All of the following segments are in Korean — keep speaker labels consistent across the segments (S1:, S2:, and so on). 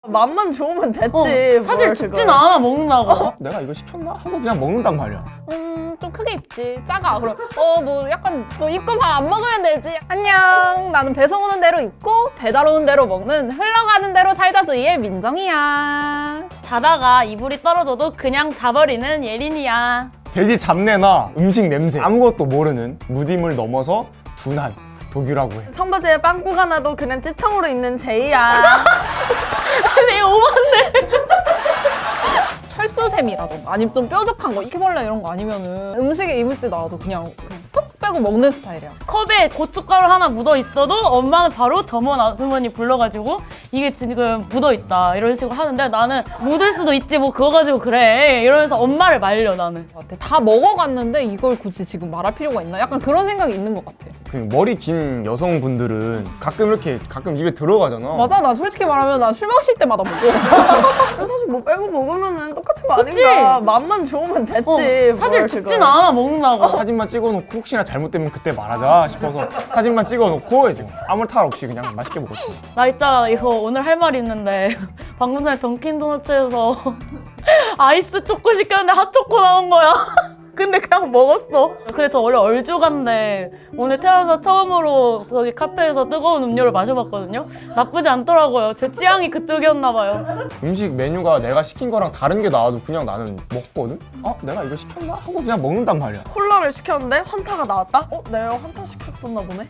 S1: 맛만 좋으면 됐지.
S2: 사실
S1: 뭘
S2: 죽진
S1: 그걸.
S2: 않아 먹는다고.
S3: 내가 이거 시켰나? 하고 그냥 먹는단 말이야.
S4: 좀 크게 입지. 작아. 그럼 뭐 약간 뭐 입고 밥 안 먹으면 되지. 안녕. 나는 배송 오는 대로 입고 배달 오는 대로 먹는 흘러가는 대로 살자주의의 민정이야.
S2: 자다가 이불이 떨어져도 그냥 자버리는 예린이야.
S3: 돼지 잡내나 음식 냄새 아무것도 모르는 무딤을 넘어서 둔한 도규라고 해.
S1: 청바지에 빵꾸가 나도 그냥 찌청으로 입는 제이야.
S2: 되게 오만데.
S4: 철수샘이라던가 아니면 좀 뾰족한 거 이케벌레 이런 거 아니면은 음식에 이물질 나와도 그냥 톡 빼고 먹는 스타일이야.
S2: 컵에 고춧가루 하나 묻어 있어도 엄마는 바로 점원 아주머니 불러가지고 이게 지금 묻어 있다 이런 식으로 하는데 나는 묻을 수도 있지 뭐 그거 가지고 그래 이러면서 엄마를 말려 나는.
S4: 같아. 다 먹어갔는데 이걸 굳이 지금 말할 필요가 있나? 약간 그런 생각이 있는 것 같아.
S3: 그 머리 긴 여성분들은 가끔 입에 들어가잖아.
S4: 맞아. 나 솔직히 말하면 나 술 마실 때마다 먹고.
S1: 사실 뭐 빼고 먹으면은 똑같은 거
S2: 그치?
S1: 아닌가. 맛만 좋으면 됐지.
S2: 사실
S1: 뭘
S2: 죽진
S1: 그걸.
S2: 않아 먹는다고.
S3: 사진만 찍어놓고 혹시나 잘못되면 그때 말하자 싶어서 사진만 찍어놓고 이제 아무 탈 없이 그냥 맛있게 먹었지.
S2: 나 있잖아 이거 오늘 할 말 있는데 방금 전에 던킨도너츠에서 아이스 초코 시켰는데 핫초코 나온 거야. 근데 그냥 먹었어. 근데 저 원래 얼죽한데 오늘 태어나서 처음으로 거기 카페에서 뜨거운 음료를 마셔봤거든요. 나쁘지 않더라고요. 제 취향이 그쪽이었나 봐요.
S3: 음식 메뉴가 내가 시킨 거랑 다른 게 나와도 그냥 나는 먹거든? 내가 이거 시켰나? 하고 그냥 먹는단 말이야.
S1: 콜라를 시켰는데 환타가 나왔다? 내가 환타 시켰었나 보네?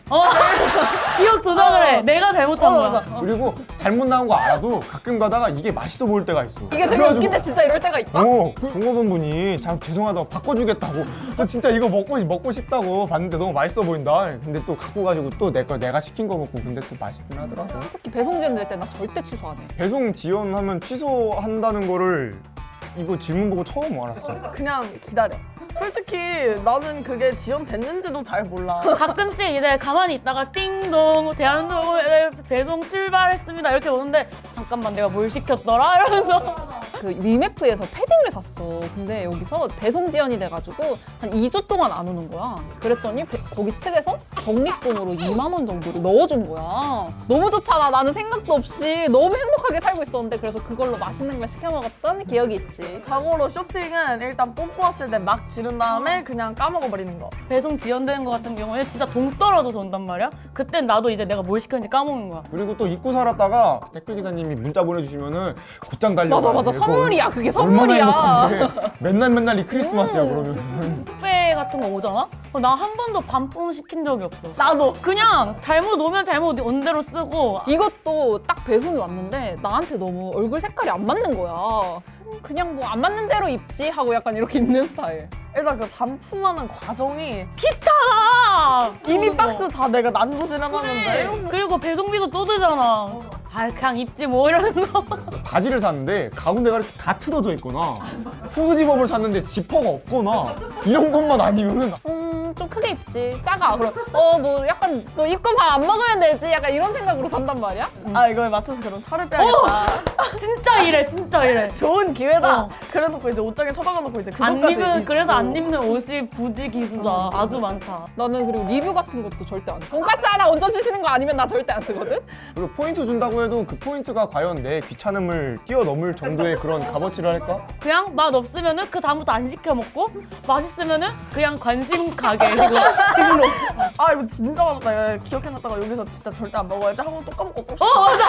S2: 기억 조작을 해. 내가 잘못한 거야.
S1: 맞아.
S3: 그리고 잘못 나온 거 알아도 가끔 가다가 이게 맛있어 보일 때가 있어.
S4: 이게 되게 웃긴데 진짜 이럴 때가 있다.
S3: 종업원분이 참 죄송하다고 바꿔주겠다고 저 진짜 이거 먹고 싶다고 봤는데 너무 맛있어 보인다. 근데 또 갖고 가지고 또 내가 시킨 거 먹고 근데 또 맛있긴 하더라고.
S4: 특히 배송 지원될 때 나 절대 취소 안 해.
S3: 배송 지연하면 취소한다는 거를 이거 질문 보고 처음 알았어.
S1: 그냥 기다려. 솔직히 나는 그게 지연됐는지도 잘 몰라.
S2: 가끔씩 이제 가만히 있다가 띵동 대한민국 배송 출발했습니다 이렇게 오는데 잠깐만 내가 뭘 시켰더라 이러면서
S4: 그 위메프에서 패딩을 샀어. 근데 여기서 배송 지연이 돼가지고 한 2주 동안 안 오는 거야. 그랬더니 거기 측에서 적립금으로 2만 원 정도를 넣어준 거야. 너무 좋잖아. 나는 생각도 없이 너무 행복하게 살고 있었는데 그래서 그걸로 맛있는 걸 시켜 먹었던 기억이 있지.
S1: 자고로 쇼핑은 일단 뽐뿌 왔을 때 막 지른 다음에 그냥 까먹어버리는 거.
S2: 배송 지연되는 거 같은 경우에 진짜 동 떨어져서 온단 말이야. 그땐 나도 이제 내가 뭘 시켰는지 까먹는 거야.
S3: 그리고 또 입고 살았다가 택배 기사님이 문자 보내주시면은 곧장 달려가.
S4: 맞아. 선물이야. 그게
S3: 얼마나
S4: 선물이야.
S3: 행복한데 맨날 이 크리스마스야 그러면.
S2: 택배 같은 거 오잖아? 나 한 번도 반품 시킨 적이 없어.
S1: 나도.
S2: 그냥 잘못 오면 잘못 온 대로 쓰고
S4: 이것도 딱 배송이 왔는데 나한테 너무 얼굴 색깔이 안 맞는 거야. 그냥 뭐 안 맞는 대로 입지 하고 약간 이렇게 입는 스타일.
S1: 일단 그 반품하는 과정이
S2: 귀찮아!
S1: 이미
S2: 그거.
S1: 박스 다 내가 난도질 해놨는데
S2: 그래. 그리고 배송비도 또 들잖아. 그냥 입지 뭐 이러면서.
S3: 바지를 샀는데 가운데가 이렇게 다 뜯어져 있거나 후드집업을 샀는데 지퍼가 없거나 이런 것만 아니면은
S4: 좀 크게 입지. 작아. 그럼 뭐 약간 뭐 입고 밥 안 먹으면 되지. 약간 이런 생각으로 산단 말이야.
S1: 이거에 맞춰서 그럼 살을 빼야겠다.
S2: 진짜 이래, 진짜 이래.
S1: 좋은 기회다.
S2: 어.
S1: 그래놓고 이제 옷장에 처박아놓고 이제
S2: 안
S1: 그것까지
S2: 입는,
S1: 입고.
S2: 그래서 안 입는 옷이 부지 기수다. 아주 많다.
S4: 나는 그리고 리뷰 같은 것도 절대 안 해. 돈까스 하나 얹어주시는 거 아니면 나 절대 안 쓰거든?
S3: 그리고 포인트 준다고 해도 그 포인트가 과연 내 귀찮음을 뛰어넘을 정도의 그런 값어치를 할까?
S2: 그냥 맛 없으면은 그 다음부터 안 시켜 먹고 맛있으면은 그냥 관심 가게 이거 등록.
S1: 이거 진짜 맛없다. 기억해놨다가 여기서 진짜 절대 안 먹어야지 하고 또 까먹고 또
S2: 맞아.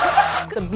S4: 진짜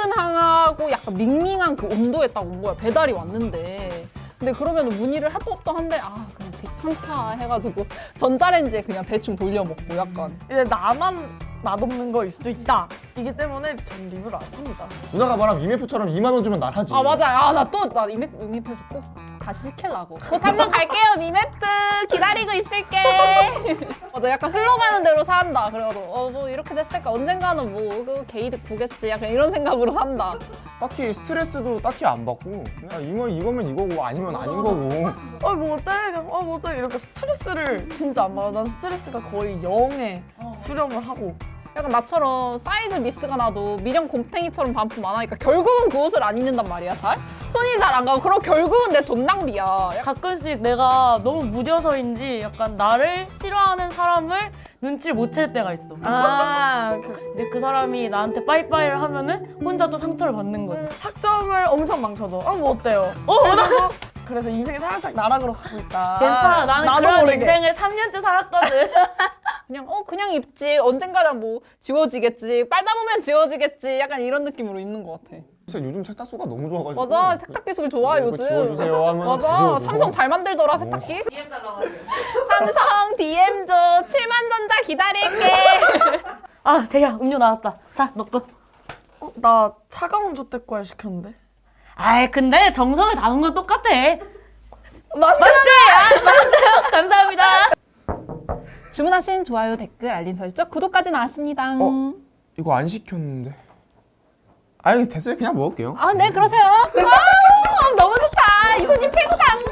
S4: 미지근하고 약간 밍밍한 그 온도에 딱 온 거야. 배달이 왔는데. 근데 그러면 문의를 할 법도 한데 그냥 귀찮다 해가지고 전자레인지에 그냥 대충 돌려 먹고 약간.
S1: 이제 나만 맛없는 거일 수도 있다. 이기 때문에 전 리뷰를 안 씁니다.
S3: 누나가 말한 위메프처럼 2만 원 주면 난 하지.
S4: 맞아. 나 이메프에서 꼭 다시 시키려고. 곧 한번 갈게요, 미메프. 기다리고 있을게. 맞아, 약간 흘러가는 대로 산다. 그래가지고 뭐 이렇게 됐으니까 언젠가는 뭐 그 게이득 보겠지. 약간 이런 생각으로 산다.
S3: 딱히 스트레스도 딱히 안 받고 그냥 이거면 이거고 아니면 아닌 거고.
S1: 뭐 어때? 그냥 뭐 어때? 이렇게 스트레스를 진짜 안 받아. 난 스트레스가 거의 0에 수렴을 하고.
S4: 약간 나처럼 사이즈 미스가 나도 미련 곰탱이처럼 반품 안 하니까 결국은 그 옷을 안 입는단 말이야, 잘? 손이 잘 안 가고 그럼 결국은 내 돈 낭비야.
S2: 가끔씩 내가 너무 무뎌서인지 약간 나를 싫어하는 사람을 눈치를 못 챌 때가 있어.
S1: 그
S2: 이제 그 사람이 나한테 빠이빠이를 하면은 혼자 또 상처를 받는 거지.
S1: 학점을 엄청 망쳐도 뭐 어때요? 그래서 인생이 살짝 나락으로 가고 있다.
S2: 괜찮아. 나는
S1: 나도
S2: 그런
S1: 모르게.
S2: 인생을 3년째 살았거든.
S4: 그냥 입지. 언젠가는 뭐 지워지겠지. 빨다 보면 지워지겠지. 약간 이런 느낌으로 입는 것 같아.
S3: 진짜 요즘 세탁소가 너무 좋아가지고.
S4: 맞아. 세탁 기술 좋아
S3: 이거
S4: 요즘.
S3: 지워주세요 하면 다
S4: 맞아.
S3: 지워주고.
S4: 삼성 잘 만들더라 세탁기. 삼성 DM 줘. 7만 전자 기다릴게.
S2: 아, 제이야, 음료 나왔다. 자, 너 거.
S1: 나 차가운 조태과일 시켰는데.
S2: 아이, 근데 정성을 담은 건 똑같아.
S1: 맛있게
S2: 맞았어요. 감사합니다.
S4: 주문하신 좋아요, 댓글, 알림 설정, 구독까지 나왔습니다.
S3: 이거 안 시켰는데. 아니 됐어요. 그냥 먹을게요.
S4: 네, 그러세요. 너무 좋다. 이소님 최고다.